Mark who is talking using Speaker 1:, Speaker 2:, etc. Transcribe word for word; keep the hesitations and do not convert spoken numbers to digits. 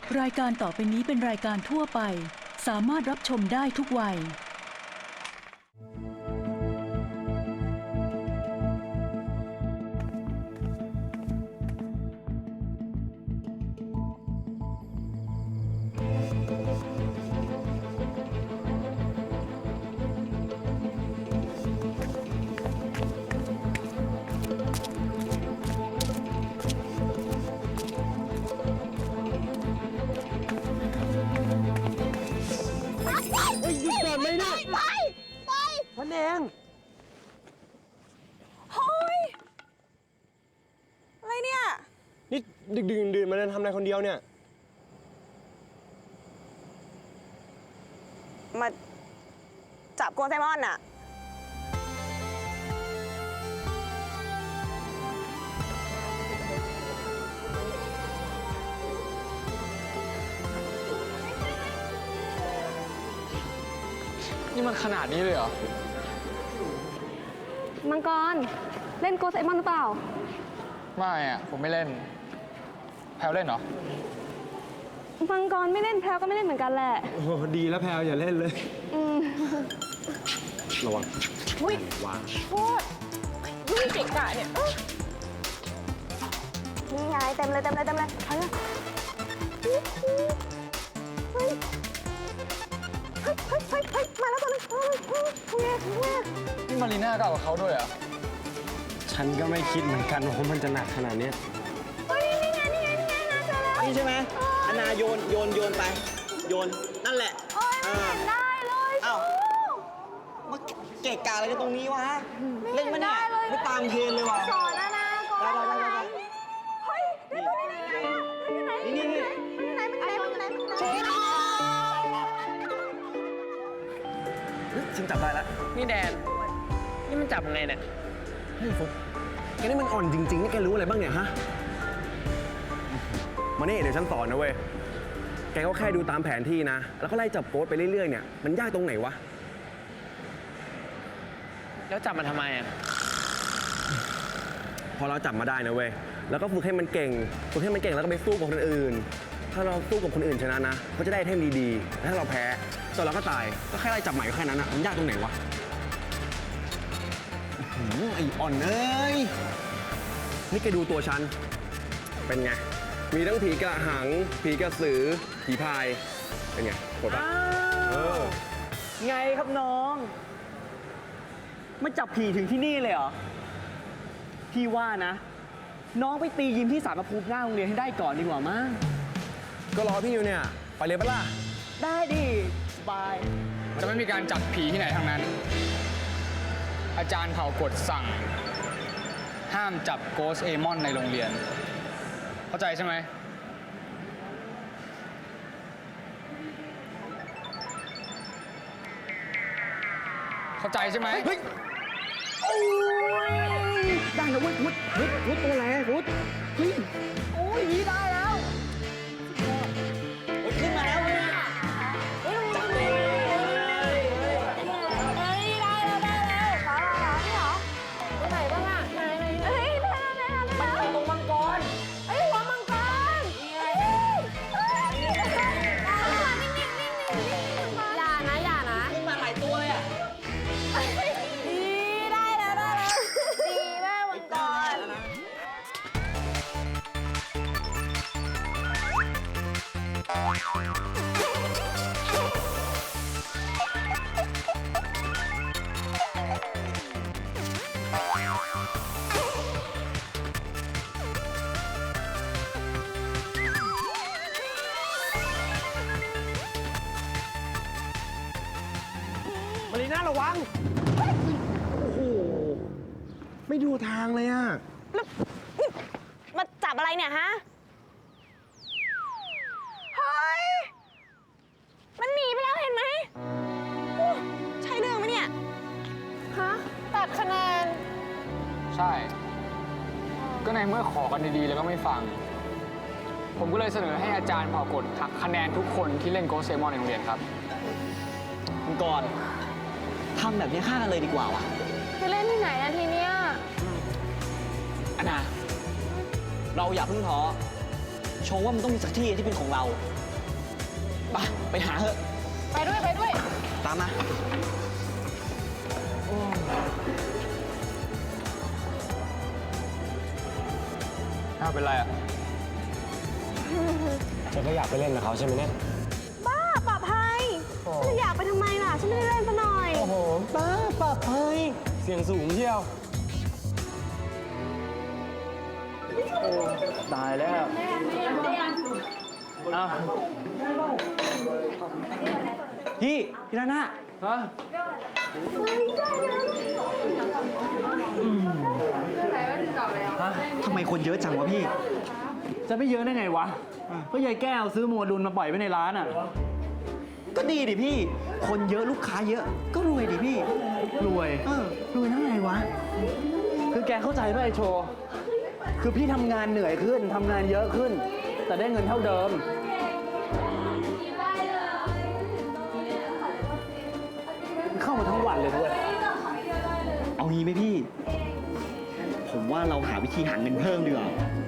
Speaker 1: รายการต่อไปนี้เป็นรายการทั่วไปสามารถรับชมได้ทุกวัย
Speaker 2: พันเอง
Speaker 3: เฮ้ยอะไรเนี่ย
Speaker 2: นี่ดึกดื่นดื่นมาเดินทำอะไรคนเดียวเนี่ย
Speaker 3: มาจับโกไซมอนอะ
Speaker 4: นี่มันขนาดนี้เลยเหรอ
Speaker 5: มังกรเล่นโกไซมอนหรือเปล่า
Speaker 4: ไม่อะผมไม่เล่นแพลวเล่นเหรอ
Speaker 5: มังกรไม่เล่นแพลวก็ไม่เล่นเหมือนกันแหละ
Speaker 2: โอ้ดีแล้วแพลวอย่าเล่นเลย
Speaker 5: อืม
Speaker 2: ระวัง
Speaker 3: อุ้ยวางโทษยุ่งเก่งกะเนี่ยนี่ไงเต็มเลยเต็มเลยเต็มเลยเอาเลยเฮ้ยเฮ้ยเฮ้ยเฮ้ยเฮ้ยมาแล้วตัวนึงเฮ้ยเฮ้ยเฮ้ยเฮ้ย
Speaker 4: นี่มารีน่าก็เอากับเขาด้วยเหรอ
Speaker 2: ฉันก็ไม่คิดเหมือนกันว่ามันจะหนักขนาดนี้
Speaker 3: เฮ้ยนี่ไงนี่ไงนี่ไงนาเจอแล้ว
Speaker 6: นี่ใช่ไหมอนาโยนโยนโยนไปโยนนั่นแหละ
Speaker 3: โอ้ยไม่เห็นได้เลย
Speaker 6: อ้าวมาเกะกะอะไรกันตรงนี้วะเล่นมาเนี่ยไม่ตามเทรนเลยวะ
Speaker 3: สอนนะนะก่อน
Speaker 6: ได้ได้ได้
Speaker 3: เฮ้ยเดี๋ยวนี่นี่นี่นี่ไหนมันไหนมันไหนมันไหนมันไหน
Speaker 2: ฉันจับได้แล้ว
Speaker 7: นี่แดน นี่มันจับยังไงเนี่ย
Speaker 2: เฮ้ยฟุ๊กแกนี่มันอ่อนจริงๆนี่แกรู้อะไรบ้างเนี่ยฮะมานี่เดี๋ยวฉันสอนนะเว้ยแกก็แค่ดูตามแผนที่นะแล้วก็ไล่จับโค้ดไปเรื่อยๆเนี่ยมันยากตรงไหนวะ
Speaker 7: แล้วจับมันทำไมอ่ะ
Speaker 2: พอเราจับมาได้นะเว้ยแล้วก็ฝึกให้มันเก่งฝึกให้มันเก่งแล้วก็ไปสู้กับคนอื่นถ้าเราสู้กับคนอื่นชนะนะก็จะได้ไอเทมดีๆแต่ถ้าเราแพ้ส่วนเราก็ตายก็แค่ไล่จับใหม่ก็แค่นั้นนะมันยากตรงไหนวะไอ้อ่อนเอ้ยนี่แกดูตัวฉันเป็นไงมีทั้งผีกระหังผีกระสือผีพายเป็นไงโหดปะเออ
Speaker 7: ไงครับน้องมาจับผีถึงที่นี่เลยเหรอพี่ว่านะน้องไปตียิมที่ศาลพระภูมิหน้าโรงเรียนให้ได้ก่อนดีกว่ามั้ง
Speaker 2: ก็รอพี่อยู่เนี่ยไปเลยปะล่ะ
Speaker 7: ได้ดิสบาย
Speaker 4: จะไม่มีการจับผีที่ไหนทั้งนั้นอาจารย์เผ่ากฎสั่งห้ามจับโกสเอมอนในโรงเรียนเข้าใจใช่ไหมเข้าใจใช่ไหม
Speaker 2: เฮ้ยโอ้ยได้แล้วเว้ยวุฒิวุฒิวุฒิตัวแรงวุฒิเฮ้ยโอ้ยได้แล้ว
Speaker 6: ขึ้นมาแล้วเลยจับเลย
Speaker 3: เฮ้ยได้แล้วได้แล้วขอขอนี่เหรอตัวไหนบ้างอ่ะไหนไหนเฮ้ยได้แล้วได้แล้วได้แล้วตรงมังกรเฮ้ยหัวมังกรเฮ้ยเฮ้ยนิ่งนิ่งนิ่งนิ่งนิ่งอย่านะอย่านะ
Speaker 6: ขึ้นมาหลายตัวเลยอ่ะ
Speaker 3: ดีได้แล้วได้แล้วดีมากมังกร
Speaker 2: มารีน่าระวังโอ้โหไม่ดูทางเลยอ่ะ
Speaker 3: แล้วนี่มาจับอะไรเนี่ยฮะเฮ้ยมันหนีไปแล้วเห็นไหมโอ้ใช่เรื่องไหมเนี่ยฮะตัดคะแนน
Speaker 4: ใช่ก็ในเมื่อขอกันดีๆแล้วก็ไม่ฟังผมก็เลยเสนอให้อาจารย์เผ่ากฎหักคะแนนทุกคนที่เล่นโกสเซมอนในโรงเรียนครับ
Speaker 6: มังกรทำแบบนี้ฆ่ากันเลยดีกว่าวะ
Speaker 5: จะเล่นที่ไหนอะทีเนี้ย
Speaker 6: อนาเราอย่าเพิ่งท้อโชชว่ามันต้องมีสักที่ที่เป็นของเราไปไปหาเถอะ
Speaker 3: ไปด้วยไปด้วย
Speaker 6: ตามมา
Speaker 4: อ้าวเป็นไรอ่ะ
Speaker 8: ฉันก็อยากไปเล่นกับเขาใช่ไหมเนี่ย
Speaker 5: บ้าปลอดภัยฉันจะอยากไปทำไมล่ะ ฉันไม่ได้เล่นซะหน่อย
Speaker 8: โอ้โหป้าปรับเฮ้ยเสียงสูงเชียว
Speaker 7: ตายแล้วอ้าว
Speaker 6: พี่พี่นาน่า
Speaker 7: ฮะ
Speaker 6: ทำไมคนเยอะจังวะพี่
Speaker 7: จะไม่เยอะได้ไงวะ ก็ยายแก้วซื้อโมดูลมาปล่อยไว้ในร้านอ่ะ
Speaker 6: ก็ดีดิพี่ คนเยอะลูกค้าเยอะ ก็รวยดิพี่
Speaker 7: รวย
Speaker 6: เออ
Speaker 7: รวยทั้งไงวะ คือแกเข้าใจป่ะไอโชว์ คือพี่ทำงานเหนื่อยขึ้น ทำงานเยอะขึ้น แต่ได้เงินเท่าเดิม เข้ามาทั้งวันเลยด้วย
Speaker 6: เอางี้ไหมพี่ ผมว่าเราหาวิธีหาเงินเพิ่มดีกว่า